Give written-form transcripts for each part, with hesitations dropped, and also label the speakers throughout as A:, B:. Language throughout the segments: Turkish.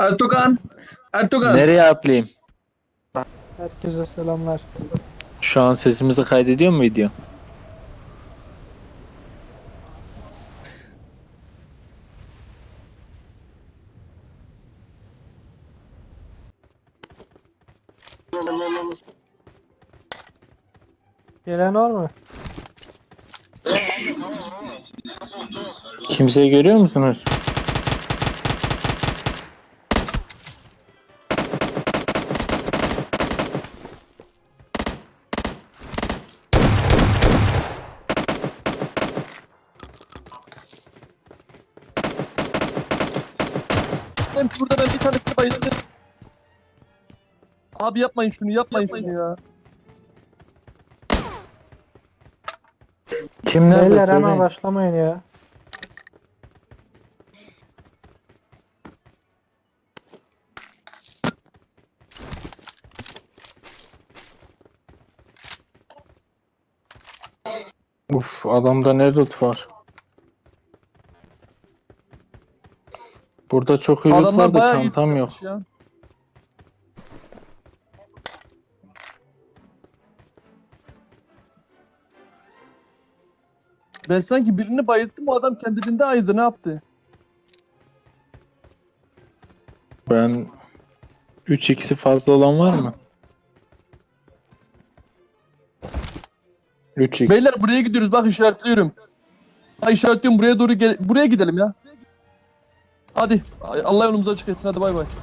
A: Ertuğan, Ertuğan.
B: Nereye atlayayım?
C: Herkese selamlar.
B: Şu an sesimizi kaydediyor mu video?
C: Gelen var mı?
B: Kimseyi görüyor musunuz?
A: Burada ben bir tanesini bayıldım. Abi yapmayın şunu, yapmayın şunu ya.
B: Kim nerede
C: Beyler hemen
B: söyleyin.
C: başlamayın ya.
B: Uf, adamda ne loot var? Burada çok iyi loot
A: Adamlar
B: var da
A: bayağı iyi
B: çantam yok.
A: tutmuş ya. Ben sanki birini bayılttım, o adam kendiliğinde ayıldı, ne yaptı?
B: Ben 3x'i fazla olan var mı? 3x.
A: Beyler buraya gidiyoruz, bak işaretliyorum. Ha işaretliyorum, buraya doğru buraya gidelim ya. Hadi Allah yolumuzu açık etsin, hadi bay bay.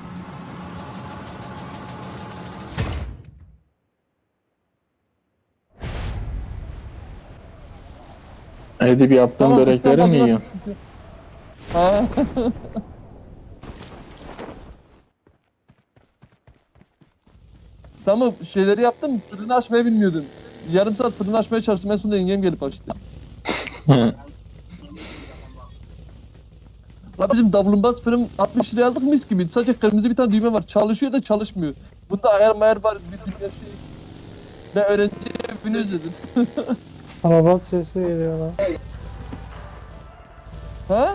B: Edip yaptığım börekleri mi yiyorsun?
A: sıkıntı yok. Ha. Samı şeyleri yaptım, fırını açmayı bilmiyordum. Yarım saat fırını açmaya çalıştım, en sonunda yengem gelip açtı. La bizim davlumbaz fırın 60 liraya aldık, mis gibi. Sadece kırmızı bir tane düğme var. Çalışıyor da çalışmıyor. Bunda ayar mayar var, bir dünya şey. Ben öğrenci evini özledim.
C: Araba sesi geliyor lan.
A: Ha?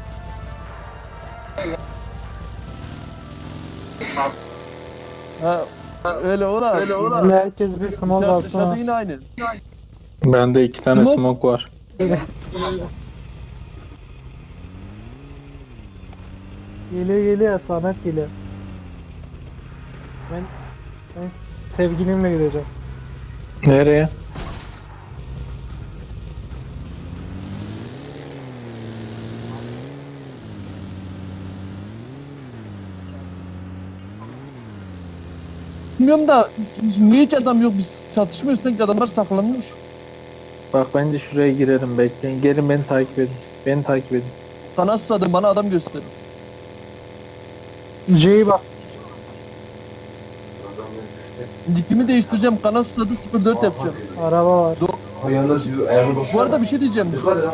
A: Ha. Öyle ora.
C: Böyle herkes bir smoke
A: Dışarıda
C: alsın.
A: yine aynı.
B: Bende 2 tane
A: Smoke.
B: smoke var.
C: Geliyor Samet geliyor. Ben sevgilimle gideceğim.
B: Nereye?
A: Bilmiyorum da niye hiç adam yok, biz çatışmıyoruz, sanki adamlar saklanmış.
B: Bak bence şuraya girelim, bekleyin. Gelin beni takip edin. Beni takip edin.
A: Sana susadım, bana adam göster.
C: J'yi bas.
A: Dikimi değiştireceğim, kana susadı 04 yapacağım.
C: Araba var.
A: Bu arada bir şey diyeceğim.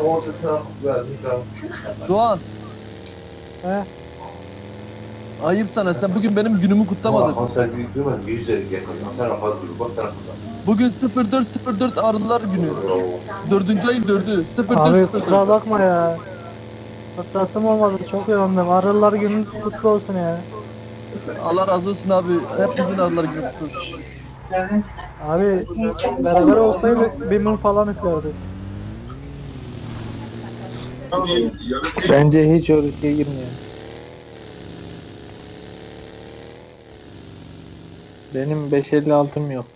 A: Doğan,
C: He?
A: ayıp sana, sen bugün benim günümü kutlamadın. Bugün 04.04 Arılar Günü. 4. ayın 4'ü.
C: Abi
A: 04.04.
C: kusura bakma ya. Fırsatım olmadı, çok yoğundum. Arılar gününüz kutlu olsun ya.
A: Allah razı olsun abi. Hepimizin Arılar Günü kutlu olsun.
C: Abi beraber olsaydık bir mum falan üflerdik.
B: Bence hiç o riske girmeyin. Benim 556'm yok.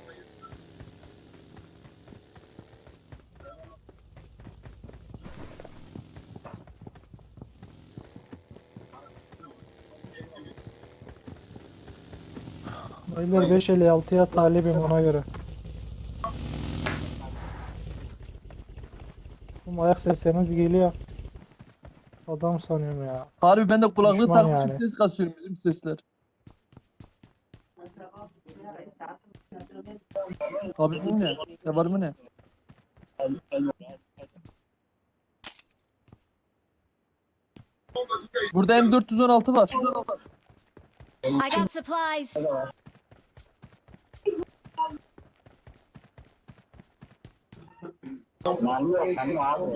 C: Beyler 556'ya talibim ona göre. Bu ayak sesleriniz geliyor. Adam sanıyorum ya.
A: Harbi ben de kulaklığı
C: Düşman
A: takmışım,
C: yani.
A: ses kasıyorum bizim sesler. Abi bu ne? Ya var mı ne? Burada M416 var.
D: I got supplies.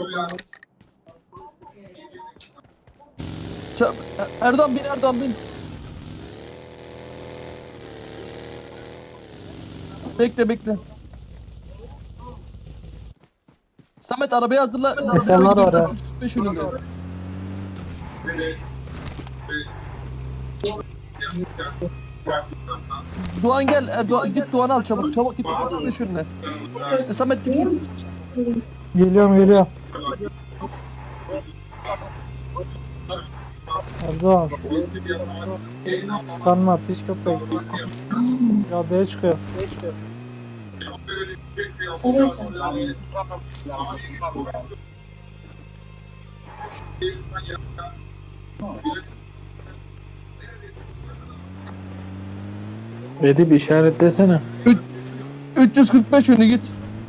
A: Erdoğan bin, Erdoğan bin. Bekle bekle. Samet arabayı hazırla.
C: İnsanlar var ha.
A: 5 önünde. Doğan gel. Git Doğan'ı al çabuk. Çabuk git. 5 önüne. Samet git.
C: Geliyorum. Erdoğan. Kanma pis köpek. Caddeye çıkıyor.
B: Edip işaretlesene.
A: 345 önü git.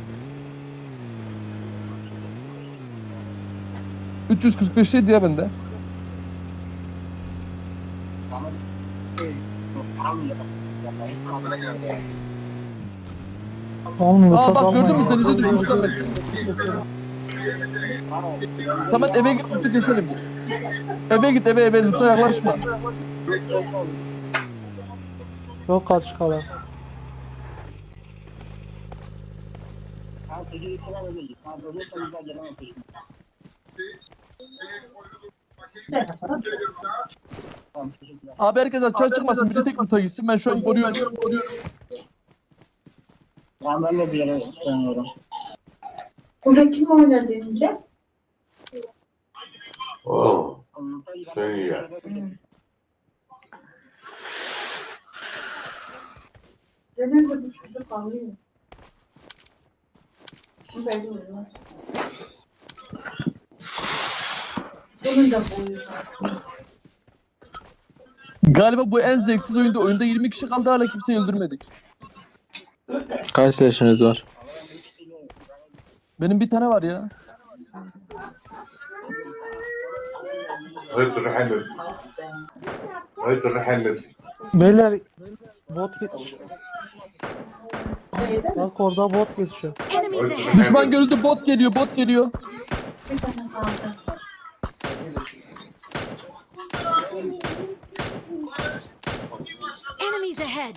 A: 345 şey diye bende.
C: Oğlum
A: Aa
C: lütfen
A: bak gördün mü
C: almayın.
A: denize düşmüş Samet. Samet eve git lütfen keselim. Eve git eve lütfen yaklaşma.
C: Çok kaç kala.
A: Abi herkes açığa çıkmasın. Biri tek kutuya gitsin. Ben şu an koruyorum.
E: Ben de bir yere sanıyorum.
F: Burada kim oynar denince?
G: Oh, şey ya.
F: Genelde bu çocuk ağlıyor. Bu belli olmaz. Bunun da boyu var.
A: Galiba bu en zevksiz oyunda. Oyunda 20 kişi kaldı hala kimseyi öldürmedik.
B: Kaç yaşınız var?
A: Benim bir tane var ya.
G: Haydi Rahmet. Haydi Rahmet.
C: Beyler bot geçiyor. Bak orada bot geçiyor.
D: Enemies ahead!
A: Düşman görüldü. Bot geliyor.
F: Bir tane kaldı.
D: Enemies ahead!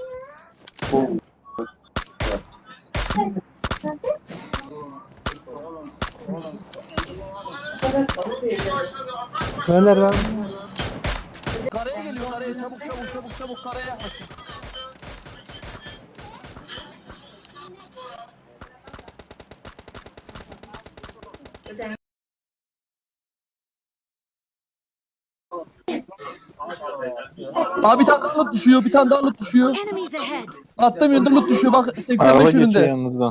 F: Bu kadar kalıyor.
C: Beyler ben
A: Karaya geliyor karaya. Çabuk karaya. Abi bir tane daha loot düşüyor.
D: Enemies ahead!
A: Attığım yönde loot düşüyor. Bak
B: Araba
A: 85
B: geçiyor
A: önünde.
B: yanınızdan.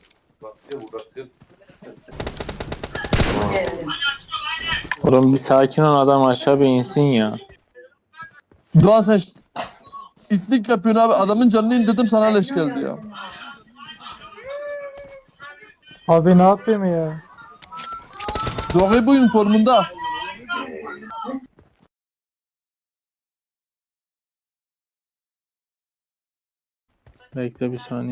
B: Oğlum bir sakin ol, adam aşağı bir insin ya.
A: Doğan sen itlik yapıyorsun abi. Adamın canını indirdim sana leş geldi ya.
C: abi ne yapayım ya?
A: Doğan bu formunda.
B: Bekle bir saniye.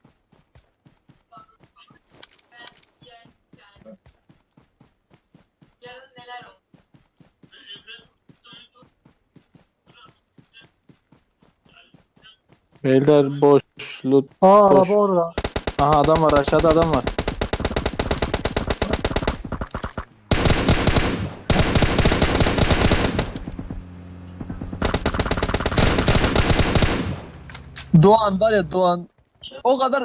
B: Beyler boş loot.
C: Aa
B: Boş.
C: araba orada.
B: Aha adam var, aşağıda adam var.
A: Doğan var ya Doğan. O kadar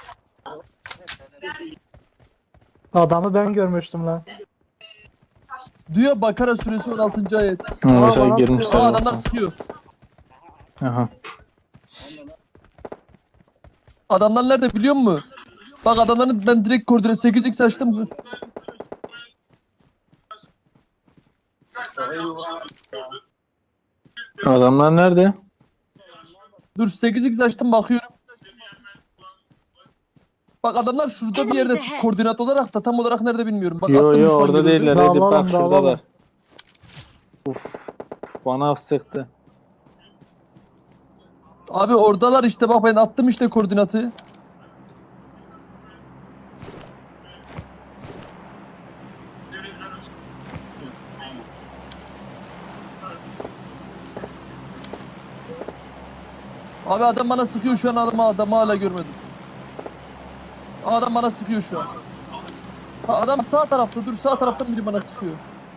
C: Adamı ben görmüştüm lan.
A: diyor Bakara suresi 16. ayet.
B: Mesela
C: bana
B: girmişler.
A: Aa
C: sıkıyor.
A: adamlar
B: zaten.
A: sıkıyor.
B: Aha.
A: Adamlar nerede biliyor musun? Bak adamların ben direkt koordine 8x açtım.
B: Adamlar nerede?
A: Dur 8x açtım bakıyorum. Bak adamlar şurada bir yerde koordinat olarak da tam olarak nerede bilmiyorum. Bak
B: Yo
A: attım
B: yo
A: düşman
B: orada
A: görüldü.
B: değiller. Edip
C: Dağılalım,
B: bak şuradalar.
C: dağılalım.
B: Uf. Bana sıktı.
A: Abi oradalar işte bak ben attım işte koordinatı. Abi adam bana sıkıyor şu an, adamı hala görmedim. Adam bana sıkıyor şu an. Ha, adam sağ tarafta, dur, sağ taraftan biri bana sıkıyor.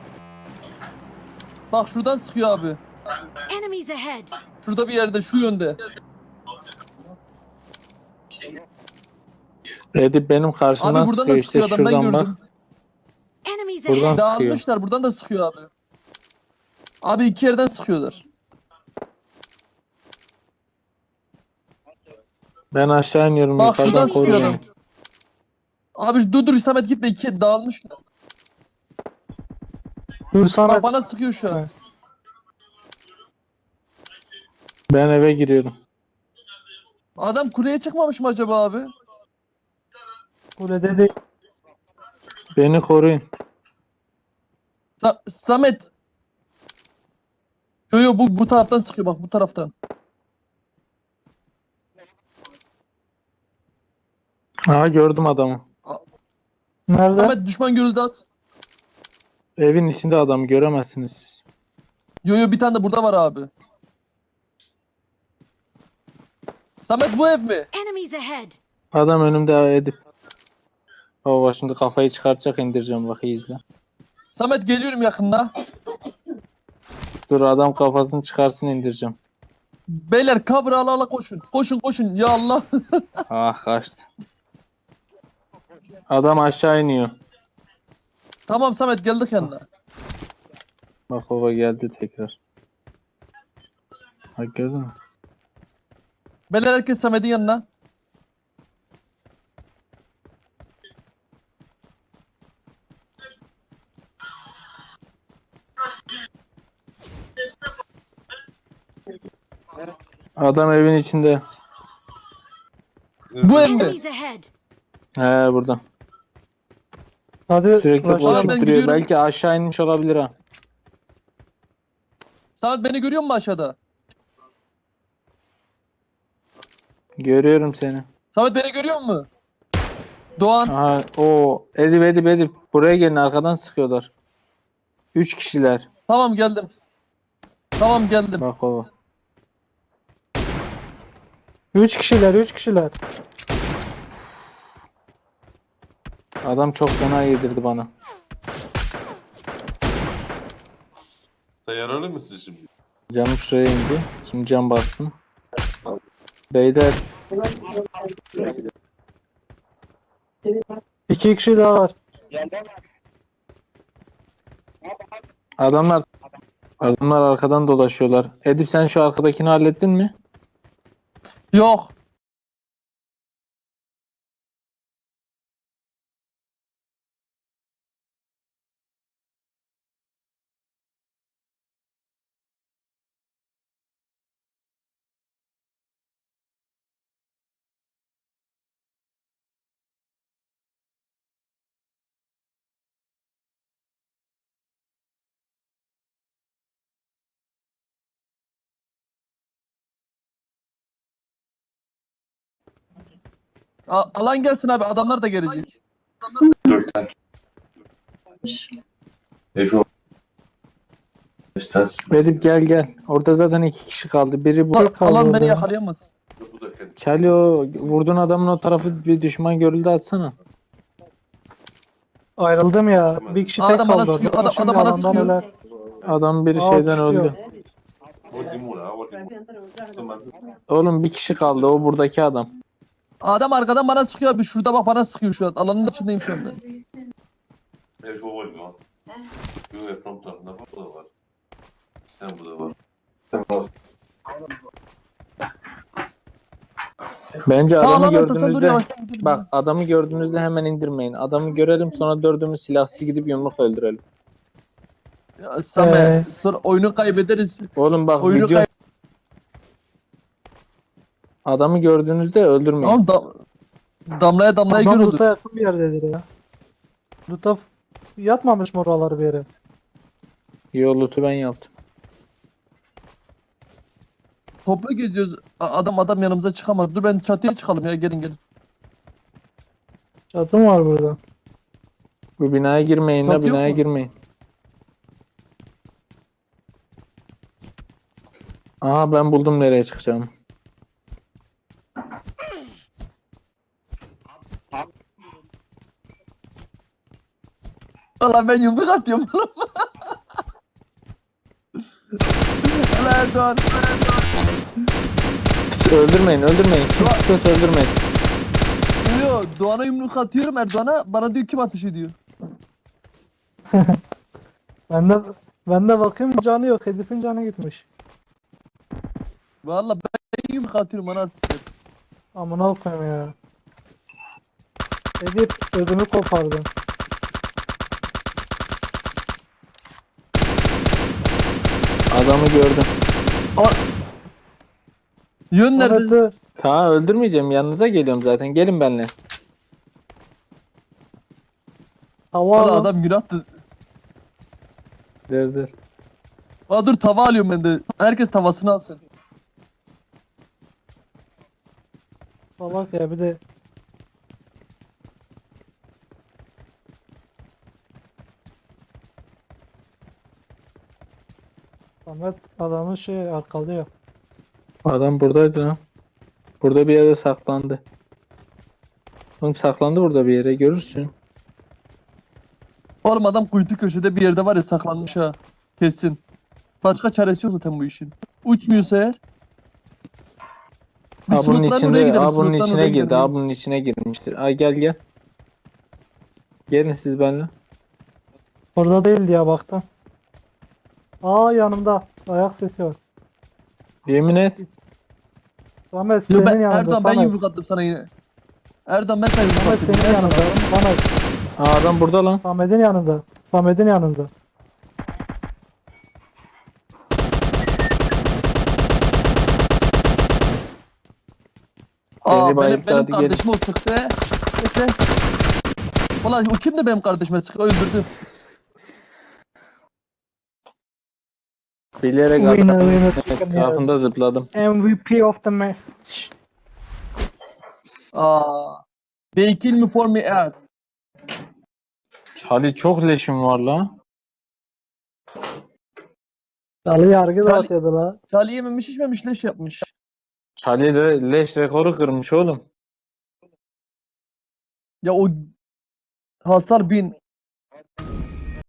A: Bak şuradan sıkıyor abi.
D: Enemies ahead!
A: Şurada bir yerde, şu yönde.
B: Edip benim karşımdan
A: Abi buradan
B: sıkıyor
A: da
B: işte
A: sıkıyor adam, ben
B: şuradan bak.
A: gördüm.
D: Enemies
B: Buradan
D: ahead!
B: sıkıyor.
A: Dağılmışlar, buradan da sıkıyor abi. Abi iki yerden sıkıyorlar.
B: Ben aşağı iniyorum
A: Bak
B: yukarıdan
A: şuradan
D: Enemies
A: sıkıyor
B: koruyorum.
D: ahead!
A: Abi dur Samet gitme, iki dağılmışlar.
C: Dur
A: Bak
C: Samet.
A: bana sıkıyor şu an.
B: Ben eve giriyorum.
A: Adam kuleye çıkmamış mı acaba abi?
C: Kulede değil.
B: Beni koruyun.
A: Samet. Yo bu taraftan sıkıyor, bak bu taraftan.
B: Aha gördüm adamı.
C: Nerede?
A: Samet düşman görüldü at.
B: Evin içinde adamı göremezsiniz siz.
A: Yo bir tane de burada var abi. Samet bu ev mi?
D: Enemies ahead!
B: Adam önümde Edip. Baba şimdi kafayı çıkartacak, indireceğim, bak iyi izle.
A: Samet geliyorum yakında.
B: Dur adam kafasını çıkarsın, indireceğim.
A: Beyler cover ala koşun. Koşun ya Allah.
B: Ah kaçtı. Adam aşağı iniyor.
A: Tamam Samet geldik yanına.
B: Bak baba geldi tekrar. Bak gördün mü?
A: Beyler herkes Samet'in yanına.
B: Adam evin içinde.
A: Bu ev mi?
D: Enemies ahead!
B: He burada.
C: Hadi
B: Sürekli
C: başla.
A: Ben
B: koşup duruyor.
A: gidiyorum.
B: Belki aşağı inmiş olabilir ha.
A: Samet beni görüyor musun aşağıda?
B: Görüyorum seni.
A: Samet beni görüyor musun? Doğan.
B: Aha o Edip. Buraya gelin, arkadan sıkıyorlar. 3 kişiler.
A: Tamam geldim. Tamam geldim.
B: Bak baba.
C: 3 kişiler.
B: Adam çok fena yedirdi bana.
G: Sen yaralı mısın şimdi?
B: Canım şuraya indi. Şimdi cam bastım. Beyler
C: 2 kişi daha var.
B: adamlar arkadan dolaşıyorlar. Edip sen şu arkadakini hallettin mi?
A: Yok. Alan gelsin abi, adamlar da gelecek.
G: 4 tane. Efe. 5 tane.
B: Edip gel. Orada zaten 2 kişi kaldı. Biri bu.
C: kaldı
A: Alan
C: orada.
A: beni yakalayamaz.
G: Bu da kendi.
B: Çalıyor. Vurduğun adamın o tarafı bir düşman görüldü, atsana.
C: Ayrıldım ya. Bir kişi tek
A: Adam bana
C: kaldı.
A: sıkıyor,
C: orada.
A: adam
C: Şimdi
A: bana
C: alandan
A: sıkıyor.
C: öler.
B: Adam biri
C: Aa,
B: şeyden
C: düşüyor.
B: öldü.
G: Tamam.
B: Oğlum bir kişi kaldı, o buradaki adam.
A: Adam arkadan bana sıkıyor abi. Şurada bak bana sıkıyor şu an. Alanın içindeyim şu anda.
G: Efe var mı? Yok Efram tarafında bu da var. Sen bu da var. Tamam.
B: Bence
A: Ta
B: adamı
A: alan ortasında dur,
B: gördüğünüzde
A: yavaştan gidelim.
B: bak, adamı gördüğünüzde hemen indirmeyin. Adamı görelim, sonra dördümüz silahsız gidip yumruk öldürelim.
A: Ya, Samet sonra oyunu kaybederiz.
B: Oğlum bak
A: Oyunu
B: video, adamı gördüğünüzde öldürmeyin.
A: Tamam damlaya
C: Adam
A: görüldü.
C: Lut'a yakın bir yerdedir ya. Lut'a yatmamış mı oraları bir yere?
B: Yolutu ben yaptım.
A: Toplu geziyoruz. Adam yanımıza çıkamaz. Dur ben çatıya çıkalım ya, gelin.
C: Çatı mı var burada?
B: Bu binaya girmeyin la,
A: Çatı yok
B: binaya
A: mu?
B: girmeyin. Aha ben buldum nereye çıkacağım.
A: Valla ben yumruk atıyorum. Helal Erdoğan.
B: Öldürmeyin. Kim sıkıyorsa öldürmeyin.
A: Diyor Doğan'a yumruk atıyorum Erdoğan'a. Bana diyor kim ateş ediyor.
C: Ben de bakayım canı yok. Hedefin canı gitmiş.
A: Valla ben yumruk atıyorum bana artistler.
C: Amına koyayım ya. Edip ödümü kopardın.
B: Adamı gördüm.
A: Yön
C: Evet,
A: nerede?
C: dur.
B: Ta öldürmeyeceğim. Yanınıza geliyorum zaten. Gelin benimle.
C: Hava
A: Valla
C: alın.
A: adam günahtı.
B: Dur.
A: Valla dur tava alıyorum ben de. Herkes tavasını alsın.
C: Salak ya bir de. Samet adamı şey arkalıyor.
B: Adam buradaydı lan. Burada bir yere saklandı. Oğlum saklandı burada bir yere. Görürsün.
A: Oğlum adam kuytu köşede bir yerde var ya saklanmış ha. Kesin. Başka çaresi yok zaten bu işin. Uçmuyorsa eğer. Biz
B: Ha bunun
A: slotların oraya
B: içinde,
A: gidelim.
B: ha bunun
A: slotların
B: içine
A: oraya
B: girdi,
A: gidelim.
B: ha bunun içine girmiştir. Ay gel. Gelin siz benimle.
C: Orada değildi ya baktım. Aa yanımda. Ayak sesi var.
B: Yemin et.
C: Samet
A: Yo,
C: senin
A: ben,
C: yanında.
A: Erdoğan ben
C: Samet.
A: yumruk attım sana yine. Erdoğan ben sana yumruk
C: Samet
A: attım.
C: senin yanında. Samet.
B: Ha adam burada lan.
C: Samet'in yanında. Samet'in yanında.
A: Aa
B: Beni
A: benim,
B: bayılttı,
A: benim
B: hadi gelin.
A: kardeşim o sıktı. Bekle. Ulan o kim de benim kardeşime sıktı öldürdü.
B: Bilerek
C: Winner,
B: adamın
C: chicken
B: etrafında zıpladım.
C: MVP of the match.
A: Aa. They kill me for me out.
B: Charlie çok leşim var lan.
C: Salı yargı
A: Charlie-
C: dağıtıyordu la.
A: Charlie yememiş içmemiş leş yapmış.
B: Charlie de leş rekoru kırmış oğlum.
A: Ya o Hasar 1000.